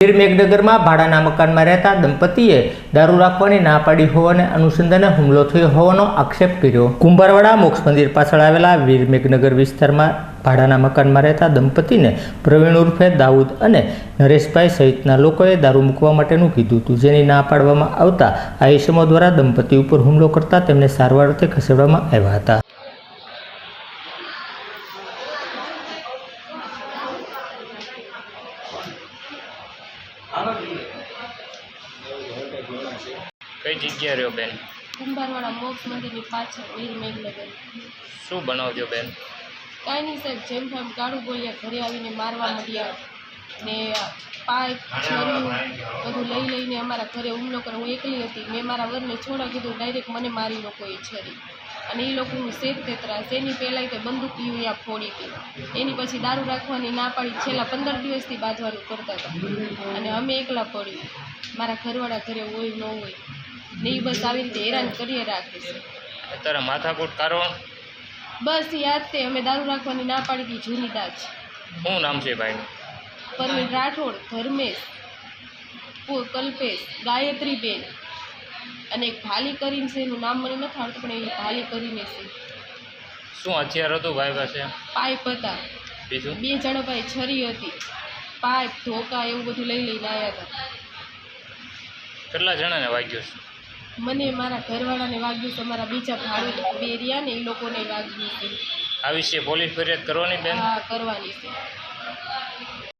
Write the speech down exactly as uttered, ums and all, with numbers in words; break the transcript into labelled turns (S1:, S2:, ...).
S1: વીર મેઘનગરમાં ભાડાના મકાનમાં રહેતા દંપતીએ દારૂ રાખવાની ના પાડી હોવાને અનુસંધાને હુમલો થયો હોવાનો આક્ષેપ કર્યો। કુંભારવાડા મોક્ષ મંદિર પાછળ આવેલા વીર મેઘનગર વિસ્તારમાં ભાડાના મકાનમાં રહેતા દંપતીને પ્રવીણ ઉર્ફે દાઉદ અને નરેશભાઈ સહિતના લોકોએ દારૂ મૂકવા માટેનું કીધું હતું, જેની ના પાડવામાં આવતા આ ઇસમો દ્વારા દંપતી ઉપર હુમલો કરતા તેમને સારવાર અર્થે ખસેડવામાં આવ્યા હતા।
S2: કઈ જગ્યા રહ્યો બેન?
S3: કુંભારવાડા મોક્ષ મંદિરની પાછળ વીર મેઘનગર।
S2: શું બનાવજો બેન?
S3: કાંઈ નહીં સાહેબ, જેમ તેમ કાળું બોલ્યા, ઘરે આવીને મારવા માંડ્યા ને પાઇપ છરીયું બધું લઈ લઈને અમારા ઘરે હુમલો કરે। હું એકલી હતી, મેં મારા વરને છોડા કીધું, ડાયરેક્ટ મને મારી લોકો એ છરી અને એ લોકોનું શેત તેતરા એની પહેલાં તે બંદૂકી અહીંયા ફોડી હતી, એની પછી દારૂ રાખવાની ના પાડી, છેલ્લા પંદર દિવસથી બાંધવાનું કરતા હતા અને અમે એકલા પડ્યું, મારા ઘરવાળા ઘરે હોય ન હોય ને એ બસ આવી રીતે હેરાન કરીએ રાખે છે।
S2: અત્યારે માથાકૂટ કારણ
S3: બસ યાદ તે અમે દારૂ રાખવાની ના પાડી હતી, જૂની દાજ।
S2: શું નામ છે ભાઈનું?
S3: પરવીન રાઠોડ, ધર્મેશ, કલ્પેશ, ગાયત્રીબેન અને એક ભાલી કરીને છે, એનું નામ મને નથી આવડતું પણ એ ભાલી કરીને છે।
S2: શું હથિયાર હતું ભાઈ પાસે?
S3: પાઇપ હતા,
S2: બીજું?
S3: બે જણા પાસે છરી હતી, પાઇપ ધોકા એવું બધું લઈ લઈને આવ્યા હતા।
S2: કેટલા જણાને વાગ્યું છે?
S3: મને મારા ઘરવાળાને વાગ્યું છે, અમારા બીજા ભાડું બે રહ્યા ને એ લોકોને વાગ્યું છે।
S2: આ વિશે પોલીસ ફરિયાદ કરવાની બેન?
S3: હા, કરવાની છે।